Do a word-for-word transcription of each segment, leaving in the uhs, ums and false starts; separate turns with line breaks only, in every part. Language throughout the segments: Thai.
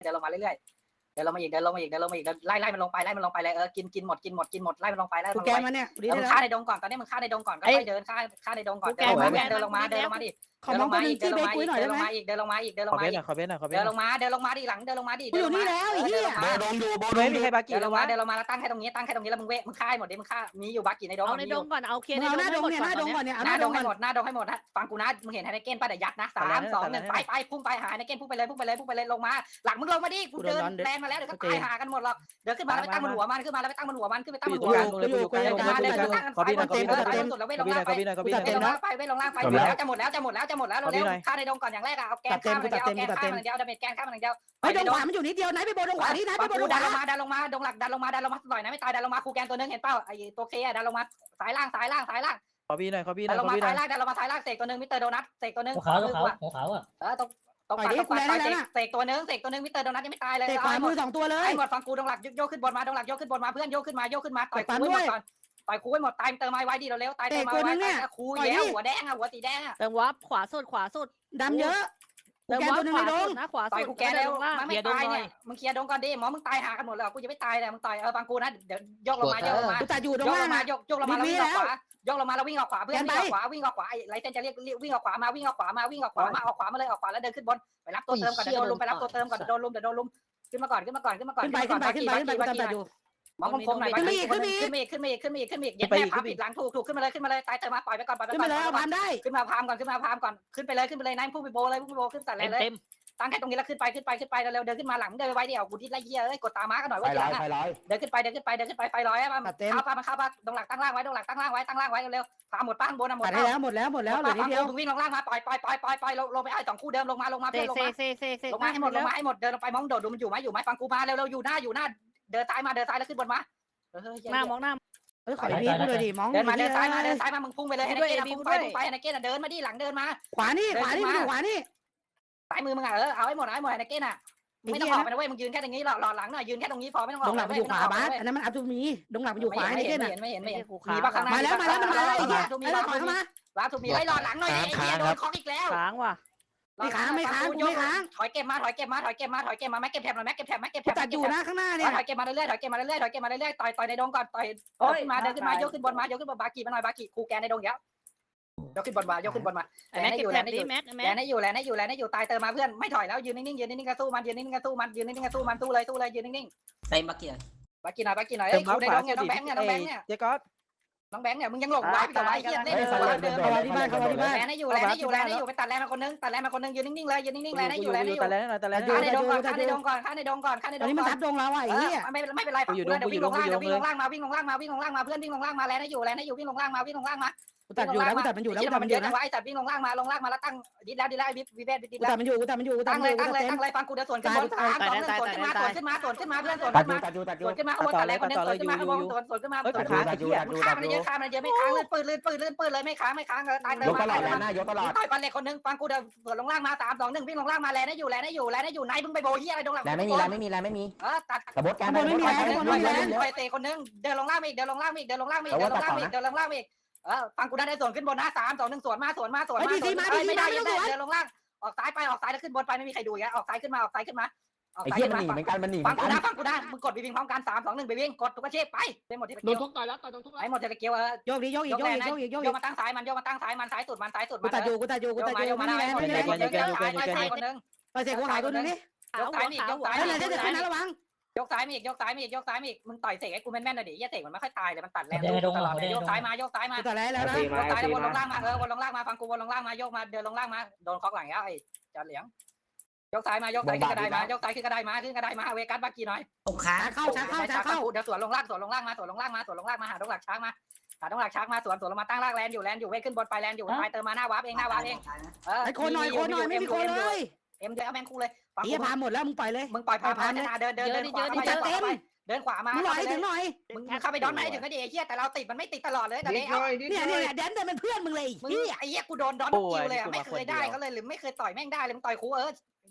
เดินลงมาเรื่อยๆเดินลงมาอีกเดินลงมาอีกเดินลงมาอีกไล่ไล่มันลงไปไล่มันลงไปเลยเออกินกินหมดกินหมดกินหมดไล่มันลงไปไล่มันลงไป
มันเนี่ย
มึงฆ่าในดงก่อนตอนนี้มึงฆ่าในดงก่อนก็ค่อยเดินฆ่าฆ่าในดงก่อนเดินลงมาเดินลงมาเดินลงมาดิเดินลงมาอีกเดินลงมาอีกเดินลงมาอีกเดินลงมาอีกเดินลงมาอีก
ขอเบสหน่อยขอเบสหน่อยขอเบส
เดินลงมาเดินลงมาดิหลังเดินลงมาดิ
อยู่นี่แล้วไอ้เหี้ย
โบดงอยู่โบด
ไม่
ง
มีใครบากิ
เดินล
แล้ว
งมาว
ะ
เดินลงมาแล้วตั้งแค่ตรงนี้ตั้งแค่ตรงนี้แล้วมึงเวะมึงฆ่าหมดดิมึงฆ่ามีอยู่บากิในดง
เอาในดงก่อนเอาเคลียร์ใน
เอา
ด
หน้าง ดง
หมด
เนี่ยห
ก่อน
น้าดงก่อนเนี่ยเอา
ห
ห
น้า
น้า
ด
ด
ง
ง
ให้
ก่อน
หมดหน้าดงให้หมดนะฟังกูนะมึงเห็นไฮเนเก้นป่ะเดี๋ยวยัดนะสามสองหนึ่งไปไปพุ่งไปหาไฮเนเก้นพุ่งไปเลยพุ่งไปเลยพุ่งไปเลยลงมาหลังมึงลงมาดิกูเดินแลนมาแล้วเดี๋ยวก็ตายหากันหมดหรอกเดินขึ้นมาแล้วไปตั้งบนหัวมันขึ้นมาแล้วไปตั้งบนหัวมันขึ้นไปตั้งบนหัวมัน
เลยอยู่กลาง
เดินมาเดิน
กลาง
ตั้งกัน
ขอ
ไป
พี่ห
บ
น่อย
น
ขอ
เต็
พี่
ม
หน่อย
สุดแล้วเว้ยลงล่างไป
ขอพี่หน่อยขอพี่หน่อย
เดินลงล่างไปเว้ยลงล่างไปหมดแล้วจะหมดแล้วจะหมดแล้วจะหมดแล้วเร็วฆ่าในดงก่อนอย่างแรกอะเอาแกนฆ่ามันเดียวเอาแกนฆ่ามันเดียวดาเมจแกนฆ่ามันเดียว
เฮ้ยดงขวามันอยู่นิดเดียวไหนไปโบดงขวานี่นะไปโบดงข
ดัน
วา
ลงมาดันลงมาดงหลักดันลงมาดันลงมาต่อยนะไม่ตายดันลงมาครูแกนตัวนึงเห็นเปล่าไอ้ตัวเคดันลงมาสายล่างสายล่างสายล่าง
ขอพี่หน่อยขอพี่ห
ดั
น่อน ย
ล
ข
ง
อ
มา
พี่หน่
สา
อย
ยล่างดันลงมาสายล่างเสกตัวนึงมิสเตอร์โดนัทเสกตัวนึง
ขาวขาวขาวอ่ะ
เออตรงตรงปัดตรงปัดต่อยเสกตัวนึงเสกตัวนึงมิสเตอร์โดนัทยังไม่ตายเลย
เตะขวามือสองตัวเลย
ไอ้หมดฟังกูดงหลักโยกขึ้นบนมาดงหลักโยกขึ้นบนมาเพื่อนโยกขึ้นมาโยกขึ้นมาต่อยกูไว้หมดก่อนต่อยกูไว้หมดตายเติมไม้ไว้ดีเร็วตายเติมไม้ไว้ครูแย่หัวแดงอะหัวสีแดงอะ
เติมวับขวาสุดขวาสุด
ดำเยอะ
เติม
แก
วับ
ตัวนึง
ข
ใน
วา
ด
สุ
ง
ดนะขวา
ต่อย
สุด
กูแกแล้วมันไม่ตายเนี่ยมึงเคลียร์ดงก่อนดิหมอมึงตายหากันหมดแล้วกูจะไม่ตายเลยมึงต่อยเออฟังกูนะเดี๋ยวยกลงมาโยกลงมา
กูตัดอยู่
ย
ตร
ก
ง
ล
ล่าง
งมา
นะ
ยกยกลงมาแล้ววิ่งออกขวายกลงมาแล้ววิ่งออกขวาเพื่อนวิ่งออกขวาวิ่งออกขวาไรเส้นจะเรียกวิ่งออกขวามาวิ่งออกขวามาวิ่งออกขวามาออกขวามาเลยออกขวาแล้วเดินขึ้นบนไปรับตัวเติมก่อนเดี๋ยวโดนลุมไปรับตัวเติมก่อนเดี๋ยวโดนลุมเดี๋ยวโดนลุมขึ้นมาก่อนขึ้นมาก่อนขึ้นมาก่อน
ขึ้นไปขึ้นไปขึ้นไปขึ้นไปกูตัดอยู่
มองคมๆหน่อยขึ้นมาอีกขึ้นมาอีกขึ้นมาอีกขึ้นมาอีกขึ้นมาอีกขึ้นมาอีกเย็นแม่พาปิดหลังถูกถูกขึ้นมาเลยขึ้นมาเลยตายเติมมาปล่อยไปก่อนปล่อยไป
ขึ้น
ก่อ
มาน เลยเอาพามได้
ขึ้นมาพามก่อนขึ้นมาพามก่อนขึ้นไปเลยขึ้นไปเลยนายพุ่งไปโบเลยพุ่งไปโบขึ้นแต่
เต็ม
เลย
เต็ม
ตั้งแค่ตรงนี้แล้วขึ้นไปขึ้นไปขึ้นไปเร็วๆเดินขึ้นมาหลังเดินไว้เดี๋ยวกูดิ้นไล่เหี้ยเอ้ยกดตาม้ากันหน่อย
ไฟ
ว่า
ร้
เดี๋
อย
ยว
ไฟร้อย
เดินขึ้นไปเดินขึ้นไปเดินขึ้นไปไฟร้อยอะมันข้าวปลามันข้าวปลาดงหลักตั้งล่างไว้ดงหลักตั้งล่างไว้ตั้งล่างไว้เร็วๆพาหมดป้าข้างบนนะหมด
ตัดให้แล้วหมดแล้วหมดแล้วเหลือนิดเดียว
มึงวิ่งลงล่างมาปล่อยปล่อยปล่อยปล่อยปล่อยลงไปไอ้สองคู่เดิมลงมาลงมา
เซ
เพื่อนลง
เซ
มา
เซเซเซ
ลงมาให้หมดลงมาให้หมดเดินลงไปมองโดดดูมันอยู่ไหมอยู่ไหมฟังกูมาเร็วๆอยู่หน้าอยู่หน้าเดินซ้ายมาเดินซ้ายแล้วขึ้นบนมา
หน้ามองหน้า
เฮ้ยขอพีกูเลยดิมอง
เดินมาเดินซ้ายมาเดินซ้ายมามึงพุ่งไปเลยให้นักเก็ตพุ่งไปพุ่งไปให้นักเก็ตเดินมาดิหลังเดินมา
ขวานี่ขวานี่ขวานี่
ซ้ายมือมึงอ่ะเออเอาให้หมดให้หมดให้นักเก็ตอ่ะไม่ต้องออกไปนะเว้ยมึงยืนแค่ตรงนี้หล่อหล่อหลังหน่อยยืนแค่ตรงนี้พอไม่ต้องอ
ด
อก
งหลังมันอยู่ขวาบาสอันนั้นมันอัพตูมีดงหลังมันอยู่ขวา
ไม่
นี่
เห็
เก้
น
น่ะ
ไม่เห็นไม่เห็น
กู
มีปะข้างหน้า
มาแล้วมาแล้วมันมาแล้วไอ้เหี้ย
มี
ไอ้
ปะ
เราถอยเข้ามา
ว้าถูกมีไอ้หล่อหลังหน่อยไอ้เหี้ยโดนคอกอีกแล้ว
ค้างว่ะ
ไม่ค้างไม่ค้างกูไม่ค้าง
ถอยเก็บมาถอยเก็บมาถอยเก็บมาถอยเก็บมาแม็กเก็บแถบหน่อยแม็กเก็บแถบแม็กเก็บแถ
กู
บ
ตัดอยู่นะข้างหน้าเนี่ย
ถอยเก็บมาเรื่อยๆถอยเก็บมาเรื่อยๆถอยเก็บมาเรื่อยๆต่อยต่อยในดงก่อนต่อยขึ้นมาเดินขึ้นมายกขึ้นบนมายกขึ้นบนบากีมาหน่อยบากีคูแกนในดงเดี๋ยวยกขึ้นบนมายกขึ้นบนมา
ไอ้แม็กเก็บแถบนี้แม็ก
แล
แม็ก
นให้อยู่แลนให้อยู่แลนให้อยู่ตายเติมมาเพื่อนไม่ถอยแล้วยืนนิ่งๆยืนนิ่งๆกระสู้มันยืนนิ่งๆกระสู้มันยืนนิ่งๆกระสู้มันสู้เลยสู้เลยยืนนิ่ง
เต็มบักเกียร์
ๆบากีหน่อยบากีหน่อย
เติ
เอ้
ม
ย
เท้า
กูใน
ขวา
ดงเนี่ยน้องแบงค์เนี่ยน้องแบงค์เนี่ย
เจ๊ก๊อต
น้องแบงค์เนี่ยมึงยังหลงไว้กับไว้เฮียเล่นเดิมเดิม
เข้ามาที่บ้านเข้ามาที่บ้าน
แลนให้อยู่แลนให้อยู่แลนให้อยู่ไปตัดแลนมาคนนึงตัดแลนมาคนนึงยืนนิ่งๆเลยยืนนิ่งๆแลนให้อยู่แลนให้อยู่
แต่แล้วหน่อยแต่แล้ว
ข้าในดงก่อนข้าในดงก่อนข้าในดงก่อนข้าใน
ต
ด
อน
ง
นี้มัน
ก่อน
ทับดงเราอ่ะไอ้เหี้ย
ไม่ไม่เป็นไรฝั่งกูเดี๋ยววิ่งลงล่างเดี๋ยววิ่งลงล่างมาวิ่งลงล่างมาวิ่งลงล่างมาเพื่อนวิ่งลงล่างมาแลนให้อยู่แลนให้อยู่วิ่งลงล่างมาวิ่งลงล่างมา
กูตัดอยู่แล้วกูตัดมันอยู่แล้วกูตัดมัน
เย
อยู่
อะ
นะ
นะไอ้ตัดวิ่งลงล่างมาลงล่างมาแล้วตั้งดิดแล้วดิดแล้วไอ้บิ๊วิเวทดิด
กู
แล้ว
ตัดมันอยู่กูตัดมันอยู่กูตัด
ตั้ง
มันอ
เลย
ยู่กู
ตั้ง
ตัดเต็ม
เลยตั้งเลยฟังกูเดี๋ยวสวนขึ้นบนสามสองหนึ่งสวนขึ้นมาสวนขึ้นมาสวนขึ้นมาเพื่อนสวน
ตัด
ขึ้น
อยู่
มา
ตัดอยู่ตัดอยู่
สวนขึ้นมาข้างบนตัดแรงคนนึงสวนขึ้นมาข้างบนสวนสวนขึ้นมาสวนขึ้นมา
ตัดอยู่ตัดอยู่
ข้ามมันเยอะข้ามมันเยอะไม่ค้างลื่นปืนลื่นปืนลื่นปืนเลยไม่ค้างไม่ค้างเลยตายเลย
ยกตลอด
มา
แลนหน้ายกตลอด
ต่อยปันเล็กคนนึงฟังกูเดี๋ยวสวนลงล่างมาสามสองหนึ่งวิ่งลงล่างมาแลนได้อยู่แลนได้อยู่แลนได้อยู่ไหนมึงไปโบเฮียอะไรตรงหลัง
แลนไม่มีแลนไม่มีแลนไม่มี
เออตัด
กระบดการ
คนนึงไปเตะคนนึงเดินลงล่างอีกเดินลงล่างอีกเดินลงล่างอีกเดินลงล่างอีกเดินลงล่างอีกเออฟังกูได้ได้สวนขึ้นบนนะสามสองหนึ่งสวนมาสวนมาสวนมาไม่ได้ยังได้เดินลงล่างออกซ้ายไปออกซ้ายแล้วขึ้นบนไปไม่มีใครดูอีกแล้วออกซ้ายขึ้นมาออกซ้ายขึ้นมาออก
ไอ้
ซ้าย
เหี้ย
ขึ้น
มัน
มา
หนีเหมือนกันมันหนีเหมื
ฟั
อง น
กู
กัน
นะฟังกูนะมึงกดไปวิ่งพร้อมกันสามสองหนึ่งไปวิ่งกดทุกอาชีพไปไปหมดที่ตะ
โด
เกี
น
ยบ
ทุกต่อยแล้วต่อยโดนทุก
ไอ้หมดที่ตะเกียบเออ
โยกดิโยกอีกโยกอีกโยกอีกโยก
โย
อี
ก
ก
มาตั้งซ้ายมันโยกมาตั้งซ้ายมันซ้ายสุดมันซ้ายสุด
กูตัดอยู่กูตัดอยู่กู
โย
ตั
ก
ด
มา
อ
โย
ยู่
กมา
ไม่
ได้
มีแรงไม่มีแรง
คนนึงไปซ้ายคนนึง
ไปเสกหัวหายตัวนึงนี่
ยกซ้ายมียกซ้าย
เฮ้ยไหนจะจะขึ้นนะระวัง
ยกซ้ายมีอีกยกซ้ายมีอีกยกซ้ายมีอีกมึงต่อยเสกให้กูแม่นๆหน่อยดิเหี้ยเสกมันไม่ค่อยตายเลยมันตัดแรงตลอดเลยยกซ้ายมายกซ้ายมา
กูตัดแล้วแล้วนะ
ยกซ้ายแล้ววนลงล่างมาเออวนลงล่างมาฟังกูวนลงล่างมายกมาเดินลงล่างมาโดนคอกหลังแล้วไอ้จอเหลียงยกซ้ายมายกซ้ายขึ้นกระไดมายกซ้ายขึ้นกระไดมาขึ้นกระไดมาเวกัสบากีหน่อย
ตกขา
เข้าช้าเข้าช้าเข้า
เดี๋ยวสวนลงล่างสวนลงล่างมาสวนลงล่างมาสวนลงล่างมาหาดงหลักช้างมาหาดงหลักช้างมาสวนสวนลงมาตั้งล่างแลนอยู่แลนอยู่เวขึ้นบนไปแลนอยู่ไปเติมมาหน้าวาร์ปเองหน้าวาร์ปเองเออ
ไอ้คนหน่อยคนหน่อยไม่มีคนเลย
เอ็มเดียวแม่งคู่เลย
ไอ้เหี้ยพาหมดแล้วมึงปล่อยเลย
มึงปล่อยพาพาชนะเดินเดินเดินขวาไปเดินขวามา
มึงหน่อยถึงหน่อย
มึงเข้าไปดอนไหนถึงก็ดีไอ้เหี้ยแต่เราติดมันไม่ติดตลอดเลยแต่เนี่ย
เนี่ยเนี่ยแดนเดินเป็นเพื่อนมึงเลย
มึง
เหี้ย
ไอ้เหี้ยกูโดนดอนคิวเลยอ่ะไม่เคยได้เขาเลยหรือไม่เคยต่อยแม่งได้เลยมึงต่อยคูเออ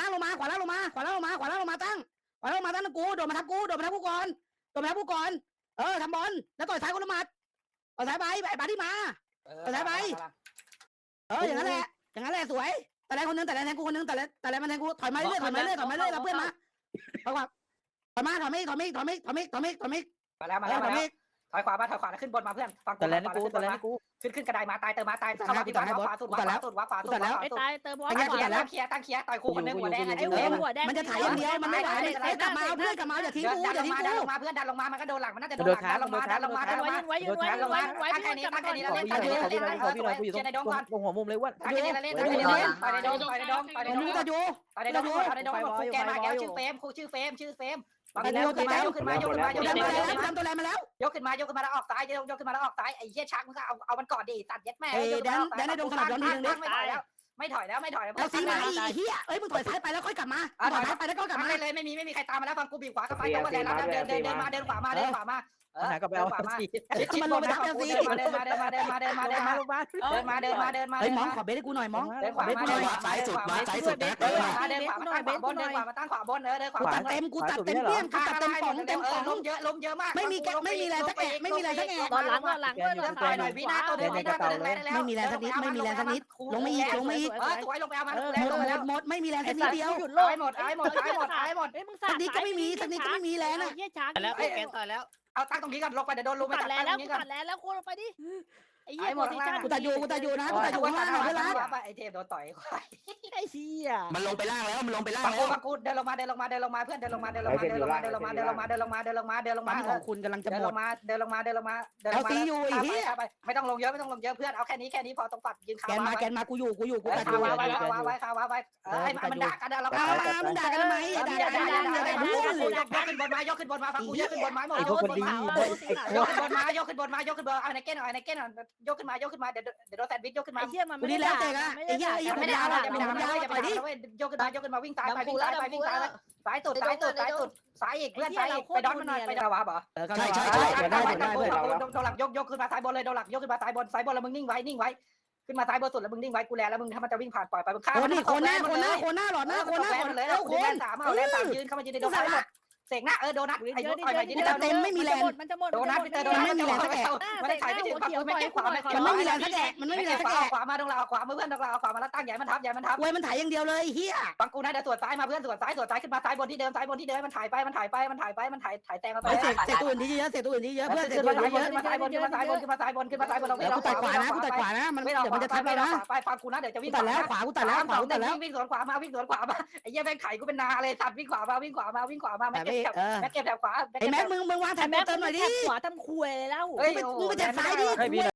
ล่างลงมาขวาล่างลงมาขวาล่างลงมาขวาล่างลงมาตั้งขวาล่างลงมาตั้งกูโดดมาทับกูโดดมาทับกูก่อนโดดมาทับกูก่อนเออทำบอลแล้วต่อยซ้ายคนละหมัดต่อยซ้ายไปไอ้บาที่มาเอออย่างนั้นแหละอย่างนั้นแหละสวยแต่แรงคนนึงแต่แรงแทงกูคนนึงแต่แรงแต่แรงมันแทงกูถอยมาเรื่อยถอยมาเรื่อยถอยมาเรื่อยเราเพื่อนมาถอยขวาถอยมาถอยไม่ถอยไม่ถอยไม่ถอยไม่ถอยไม่ถอยไม่
มาแล้วมาแล้วมาแล้วถอยขวามาถอยขวาขึ้นบนมาเพื่อนฟัง
แต่แลนกูแต่แลนกู
ขึ้นขึ้นกระไดมาตายเติมมาตายเข้ามาที่ขวาขวาสุดขวาสุดขวาขวาสุดขวา
ไอ้
สุด
ตายเติมบอล
ตั้ง
ก่อน
เคียร์ตั้งเคียร์ตั้งเคียร์ต่อยคู่คนนึงหัวแดง
ไอ้หัวหัวแดง
มันจะถ่ายอย่างเดียวมันไม่ถ่ายเลยกลับมาเอาเพื่อนกลับมาอย่าทิ้งกูอย่า
ดันล
ทิ้
ง
ง
มา
กู
ดันลงมาเพื่อนดันลงมามันก็โดนหลังมันน่าจะโดนหลังดันลงมาดันลงมาดันลงมา
ไว้ยืนไว้
ดันล
ยื
ง
น
มา
ไว้ไว้
ตั้ง
ยื
แค่
น
นี้
กลับ
ตั้
มาง ก่อน
แค่นี้แล้วเล่น
ขอ
เล่น
พี่หน่อยขอพี่หน่อยขอพี่หน่อยกูอยู่ตรง
เชียร์ในดงก่อน
ตรงหัวมุมเลยว่า
ตั้งแค่นี้แล้วเล่นตั้งแค่นี้เล่นต่อยในดงต่อยในดงต่อยในดง
มึงจะอยู่
ต่อยในดงต่อยในดงครูแกมาแล้วชื่อเฟมครูชื่อเฟมชื่อเฟมบางทียกขึ้นมายกขึ้นมายกขึ้นมายก
ดั
ขึ้
น
น
มา
มา
แล้วทำตัวแรงมาแล้ว
ยกขึ้นมายกขึ้นมาแล้วออกซ้ายยกยกขึ้นมาแล้วออกซ้ายไอ้เหี้ยชักมึงก็เอาเอามันก่อนดิตัดยัดแม่ไม่ถอยแล้วไม่ถอยแล้วไม่ถอยแล้ว
เอาสีมาอีเหี้ยเอ้ยมึงถอยซ้ายไปแล้วค่อยกลับมาถอยซ้ายไปแล้วก็กลับมา
มาเลยไม่มีไม่มีใครตามมาแล้วฟังกูบีบขวาเข้าไปต้องมาเดินเดินเดินเดินมาเดินขวามาเดินขวามาเออ
หาก็ไปเอาสิ
ชิดบนนะเดินมาเดินมาเดินมาเดินมาเดินมาเดินมา
ลงมา
เดินมาเดินมาเดินมา
เฮ้ยมองขอเบสให้กูหน่อยมอง
เดินขวามาเดินขวาซ้ายสุดมาซ้ายสุดนะเดินขวาเดินขวามาตั้งขวาบนเดินขวามาตั้งขวาบนเออเดินขวา
กูตัดเต็มกูตัดเต็มเปี้ยมกูตัดเต็มป่องเต็มป่อง
ล้มเยอะล้มเยอะมาก
ไม่มีแกไม่มีแรงสักแอะไม่มีแรงสักแอะ
ตอนหลังตอนหลังด้วย
เดินขวาหน่อยวินาตัวเดินวินาตัวเดินได้แล้วลงไม่อีกลงไม่อีกเออสวยลงไปเอามา
หมดหมดหมดไม่มีแรงสักนิดเดียว
หยุดโล
ตายหมดตายหมดตายหมดตายหมด
เฮ้ยมึงสา
สักนิดก็ไม่มีสักนิดก็ไม่มีแรงอ่ะ
เฮียช้าง
แล้วแกนต่อยแล้ว
เอาตั้งตรงนี้ก่อนลงไปเดี๋ยวโดนลุมไป
ตั
ตั
ด
ด
แล้ว
ตั้งต
แล้
ร
ว
งนี้ก่อน
ตัดแล้วแล้วกูลงไปดิไอ้เหี้ยโพซิชั่น
กูตัดอยู่กูตัดอยู่นะกูตัดอยู่ข้างล่างเพื่อนรัก
ไอ้เทพโดนต่อยควาย
ไอ้เหี้ย
มันลงไปล่างแล้วมันลงไปล่าง
ปัง
แล้
กู
ว
ปังกูเดินลงมาเดินลงมาเดินลงมาเพื่อนเดินลงมาเดินลงมาเดินลงมาเดินลงมาเดินลงมาเดินลงมาเดินลงมาเดินลงมาเดินลง
ปั๊
มาม
ของคุณกำลังจะ
เดิน
หม
ล
ด
งมาเดินลงมาเดินลงมาเดินล
เอา
งมา
ซีอยู่ไอ้เหี้ย
ไม่ต้องลงเยอะไม่ต้องลงเยอะเพื่อนเอาแค่นี้แค่นี้พอตรงปัดยืนขา
แกนมาแกนมากูอยู่กูอยู่กูตัดอ
ขา
ยู่
วาไว้ขาวาไว้ขาวาไว้เออให้มันด่ากันเรา
เอามามึงด่ากันทำไมด่ากันทำไมอย่าด่าพูด
ยกขึ้นบนมายกขึ้นบนมาฟังกูยกขึ้นบนมาหมด
ไอ้พวกคนดี
ยกขึ้นบนมายกขึ้นบนมายกขึ้นบนเอาในเก้นเอาในเก้นยกขึ้นมายกขึ้นมาเดี๋ยวเดี๋ยวโดนแซนด์วิชยกขึ้นมา
ไอ้เหี้ยมัน
กู
ไม่
นี่
ได้
แล้วแต่ละไอ้เหี้ยไอ้เหี้ย
ไม่
ไม่
ได้
ได้
เอา
ละ
อย่า
ไม่
ไม่
ได้
ได้
ละ
เอา
ไป
อย่า
ดิ
ไม่ได้เอายกขึ้นมายกขึ้นมาวิ่งซ้ายไปวิ่งซ้ายไปวิ่งซ้ายสายสุดสายสุดสายสุดสายอีกเพื่อนสายอีกไปดอนมันหน่อยไปดาวะบ่
ใช่ใช่ใช่
เดี๋ยวได้เดี๋ยวได้เพื่อน
โดนหลักยกยกขึ้นมาซ้ายบนเลยโดนหลักยกขึ้นมาซ้ายบนซ้ายบนแล้วมึงนิ่งไว้นิ่งไว้ขึ้นมาซ้ายบนสุดแล้วมึงนิ่งไว้กูแลแล้วมึงถ้ามันจะวิ่งผ่านปล่อยไปมึงฆ่า
โคนนี่คนหน้าคนหน้าคนหน้าหลอดหน้าคนหน้าคน
เลย
เอ้า
ค
คน
นสามเอาแลนสามยืนเข้ามายืนในโดนซ้ายหมดเสกหน้าเออโดนัทไอ้ยุทธ์ต่อยไปยืนในโดน
มันจะหมด
โดนัทพี่เตอร์โดนัทไม่มีแรงสักแอะไม่ได้ถ่ายไม่ถึงฝั่งไม่เก็บขวาไม่
มันไม่มีแรงสักแอะมันไม่มีแรงสักแอะ
ขวามาตรงเราขวามาเพื่อนตรงเราขวามาแล้วตั้งใหญ่มันทับใหญ่มันทับ
เว้ยมันถ่ายอย่างเดียวเลยเฮีย
ฟังกูนะเดี๋ยวสวนซ้ายมาเพื่อนสวนซ้ายสวนซ้ายขึ้นมาซ้ายบนที่เดิมซ้ายบนที่เดิมมันถ่ายไปมันถ่ายไปมันถ่ายไปมันถ่ายถ่ายแตงมาไป
เสกเสกตัวอื่นที่เยอะเสกตัวอื่นที่เยอะเพื่อนเสก
ขึ้น
ตัว
มา
อื่น
ซ้าย
ที่
บ
เย
น
อะ
ขึ้นมาซ้ายบนขึ้นมาซ้ายบนขึ้นมาซ้ายบนขึ้นมาซ้ายบนเรา
แล้วกูตัดขวานะกูตัดขวานะมัน
ไม่
เดี๋ยวมันจะทับเรานะ
ไปฟังกูนะเดี๋ยวจะวิ่ง
ตัดแล้วขวากูตัดแล้วขวากูตัดแล้ว
วิ่งสวนขวามาวิ่งสวนขวามาไอ้เหี้ยแม่งไข่กูเป็นนาเลยตัดวิ่งขวามาวิ่งขวามาวิ่งขวามา
แต่
แม่
ไม่
เก็บ
เออ
แม่เก็บแถวขวา
ไอ้แม็กมึงมึงวางแถ
แต่
บ
แม่
เติมหน่อยดิ
ขวาทำคุยแล้ว
มึงไปมึงไปแถบซ้ายดิ
ให้พี่